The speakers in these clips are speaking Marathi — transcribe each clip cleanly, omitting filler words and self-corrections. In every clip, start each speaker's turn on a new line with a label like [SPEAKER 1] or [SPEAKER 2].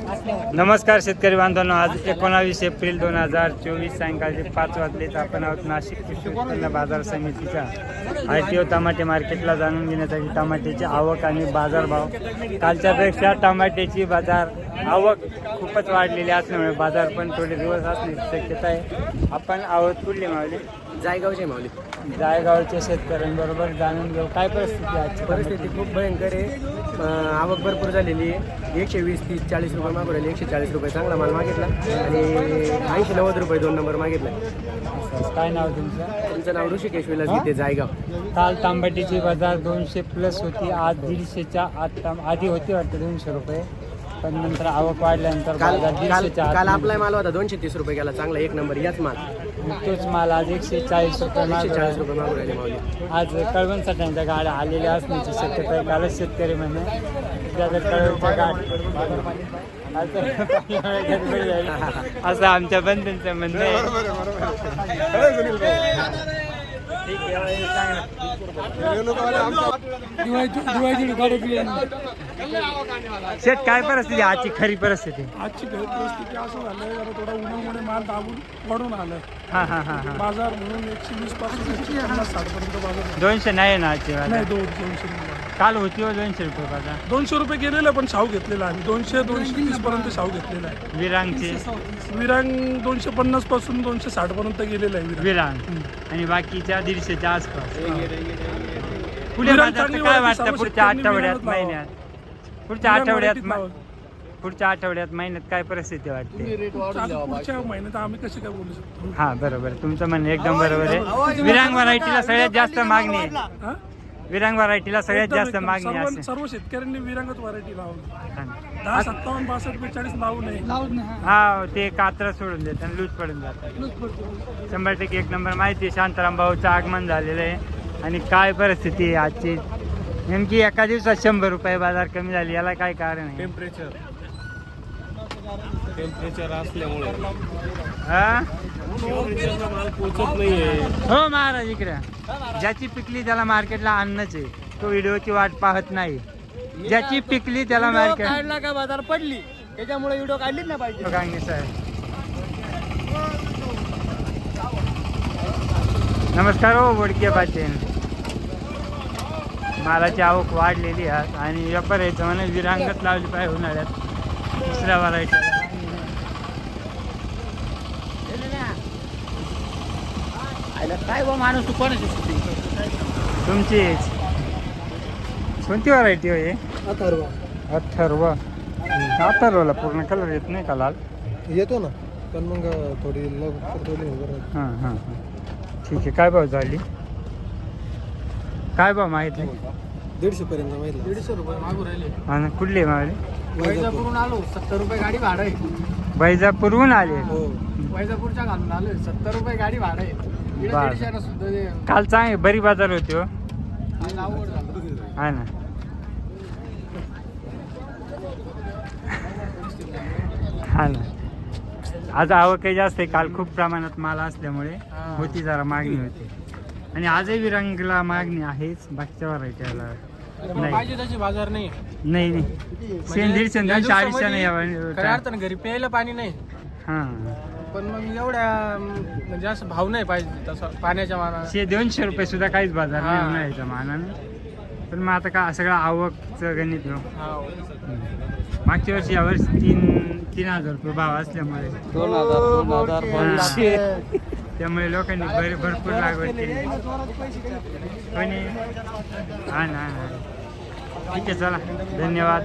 [SPEAKER 1] नमस्कार शेतकरी बांधवांनो, आज 19 एप्रिल 2024 सायंकाळचे 5 वाजलेत. आपण आहोत नाशिक कृषी उत्पन्न बाजार समितीच्या ITO टमाटे मार्केटला जाणून घेण्यासाठी टमाट्याची आवक आणि बाजारभाव. कालच्यापेक्षा टमाट्याची बाजार आवक खूपच वाढलेली असल्यामुळे बाजार पण थोडे दिवस असण्याची शक्यता आहे. आपण आहोत कुठले मावले?
[SPEAKER 2] जायगावचे माऊली.
[SPEAKER 1] जायगावच्या शेतकऱ्यांबरोबर जाणून घेऊ काय परिस्थिती आहे. आजची
[SPEAKER 2] परिस्थिती खूप भयंकर आहे. आवक भरपूर झालेली आहे. 120, 30, 40 रुपये मागू राहिले. 140 रुपये चांगला माल मागितला आणि 80-90 रुपये 2 नंबर मागितला.
[SPEAKER 1] काय नाव तुमचं?
[SPEAKER 2] तुमचं नाव ऋषिकेश विलास गीते, जायगाव.
[SPEAKER 1] काल तांबटीची बाजार 200 प्लस होती. आज 150च्या आधी होती वाटतं 200 रुपये, पण नंतर आवक वाढल्यानंतर
[SPEAKER 2] काल
[SPEAKER 1] बाजार
[SPEAKER 2] काल
[SPEAKER 1] 150च्या
[SPEAKER 2] काल आपला माल होता 230 रुपये गेला, चांगला एक नंबर याच माल.
[SPEAKER 1] तोच माल आज 140 रुपये मागं
[SPEAKER 2] 140 रुपये मागू राहिले माऊली.
[SPEAKER 1] आज कळवणसाठ्यांच्या गाड्या आलेल्या असण्याची शक्यता आहे. कालच शेतकरी म्हणे कळवणच्या गाड्या असं आमच्या बंधूंचं म्हणणं आहे. ठीक आहे, शेत काय परिस्थिती आजची खरी परिस्थिती?
[SPEAKER 3] आजची घरी परिस्थिती असं झालंय, जरा थोडा उन्हामुळे माल दाबून वाढून आलाय. बाजार म्हणून 120 पासून 150-60 पर्यंत बाजार
[SPEAKER 1] 200 नाही ना आजची बाजार?
[SPEAKER 3] नाही. 200
[SPEAKER 1] काल होती हो 200 रुपये बाजार.
[SPEAKER 3] 200 रुपये गेलेला, पण शाहू घेतलेला आम्ही 200-230 पर्यंत शाहू घेतलेला आहे.
[SPEAKER 1] विरांगची
[SPEAKER 3] विरांग 250 पासून 260 पर्यंत गेलेला आहे
[SPEAKER 1] विरांग आणि बाकीच्या 150च्या आसपास. पुढे
[SPEAKER 3] विरांग
[SPEAKER 1] बाजारचं
[SPEAKER 3] चांगली
[SPEAKER 1] काय
[SPEAKER 3] वाढती,
[SPEAKER 1] वाटतं
[SPEAKER 3] सर्व
[SPEAKER 1] पुढच्या
[SPEAKER 3] शेतकऱ्यांनी
[SPEAKER 1] आठवड्यात
[SPEAKER 3] विरांगच लावावं.
[SPEAKER 1] महिन्यात? पुढच्या आठवड्यात महिन्यात काय परिस्थिती वाटते?
[SPEAKER 3] पुढच्या महिन्यात आम्ही कशी काय बोलू शकतो?
[SPEAKER 1] हा बरोबर, तुमचं म्हणणं एकदम बरोबर आहे. विरांग व्हरायटीला सगळ्यात जास्त मागणी आहे.
[SPEAKER 3] हा?
[SPEAKER 1] विरांग व्हरायटीला सगळ्यात
[SPEAKER 3] एकदम-
[SPEAKER 1] जास्त
[SPEAKER 3] एकदम.
[SPEAKER 1] मागणी असेल.
[SPEAKER 3] सर्व शेतकऱ्यांनी विरांगच व्हरायटी लावली. 10,
[SPEAKER 1] हा.
[SPEAKER 3] 57, 62, 42 लावू नये.
[SPEAKER 1] हा, ते कात्र सोडून देतात आणि लूज पडून जातात. 100% एक नंबर माहिती आहे. शांताराम भाऊचं आगमन झालेलं आहे. आणि काय परिस्थिती आहे आजची? नेमकी एका दिवसात 100 रुपये बाजार कमी झाली, याला काय कारण आहे?
[SPEAKER 4] टेम्परेचर असल्यामुळे
[SPEAKER 1] हा?
[SPEAKER 4] माल पोचत नाहीये.
[SPEAKER 1] हो महाराज, इकडे ज्याची पिकली त्याला मार्केटला आणणंच आहे. तो व्हिडिओची वाट पाहत नाही. ज्याची पिकली त्याला मार्केट
[SPEAKER 2] काढला का बाजार पडली, त्याच्यामुळे व्हिडिओ काढलीच नाही पाहिजे.
[SPEAKER 1] गांगी साहेब नमस्कार. हो बोडके पाटील. मालाची आवक वाढलेली आहे आणि व्यापार यायचं म्हणे विरांगत लावली पाहिजे उन्हाळ्यात दुसऱ्या व्हरायटी.
[SPEAKER 2] काय बा माणूस, तू कोणाची
[SPEAKER 1] तुमची कोणती व्हरायटी हो? अथर्व. अथर्वला पूर्ण कलर येत नाही का? लाल
[SPEAKER 3] येतो ना, पण मग थोडी लवकर.
[SPEAKER 1] हां हां हां, ठीक आहे. काय भाव झाली? काय भाव माहीत नाही?
[SPEAKER 3] 150 पर्यंत माहिती. 150 रुपये मागू राहिले.
[SPEAKER 1] हा ना, कुठले मावले?
[SPEAKER 2] वैजापूरहून आलो. 70 रुपये गाडी भाडं आहे.
[SPEAKER 1] वैजापूरहून आले?
[SPEAKER 2] वैजापूरच्या घालून आलोय. 70 रुपये गाडी भाडं आहे.
[SPEAKER 1] काल चांगली बरी बाजार होती हो.
[SPEAKER 2] आवड झालं.
[SPEAKER 1] हा ना. हा ना, आज आवकही जास्त आहे. काल खूप प्रमाणात माल असल्यामुळे होती, जरा मागणी होती. आणि आजही विरांगला मागणी आहेच. बाकीच्या व्हरायटीला नाही.
[SPEAKER 2] पाहिजे त्याची बाजार नाही.
[SPEAKER 1] नाही नाही, 100-150 40 नाही.
[SPEAKER 2] खऱ्या अर्थानं घरी प्यायला पाणी नाही.
[SPEAKER 1] हां,
[SPEAKER 2] पण मग एवढ्या म्हणजे असं भाव नाही पाहिजे तसं पाण्याच्या मानाने.
[SPEAKER 1] 100-200 रुपये सुद्धा काहीच बाजार नाही उन्हाळ्याच्या मानाने. पण मग आता का सगळं आवकचं गणित हो. मागच्या वर्षी यावर्षी 3,000 रुपये भाव असल्यामुळे
[SPEAKER 2] 2,000
[SPEAKER 1] त्यामुळे लोकांनी भरपूर लागवड केली. कोणी हा ना. ठीक आहे, चला धन्यवाद.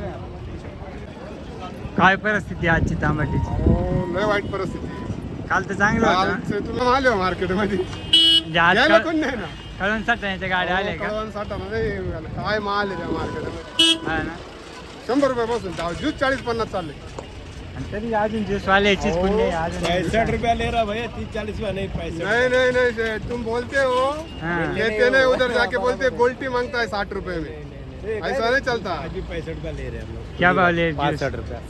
[SPEAKER 1] काय परिस्थिती आजची तांबटीची?
[SPEAKER 4] लय वाईट परिस्थिती.
[SPEAKER 1] काल तर चांगलं होतं.
[SPEAKER 4] तुला आले मार्केटमध्ये
[SPEAKER 1] कळून साठवण्याच्या गाड्या आल्या का?
[SPEAKER 4] काय माल आहे त्या मार्केटमध्ये?
[SPEAKER 1] हा ना.
[SPEAKER 4] 100 रुपये बसून ज्यूस 40-50 चालले.
[SPEAKER 1] आणि तरी अजून ज्यूस वाल्याचीच पुण्य आहे. अजून
[SPEAKER 4] 60 रुपया ले रहा भैया, 30-40 नहीं पैसे. नहीं तुम बोलते हो,
[SPEAKER 1] हाँ।
[SPEAKER 4] लेते नहीं, उधर जाके बोलते गोल्टी मांगता है 60 रुपए में. ऐसा नहीं चलता. 65 रुपया ले रहे हैं हम लोग.
[SPEAKER 1] क्या भाव ले?
[SPEAKER 4] 65 रुपया.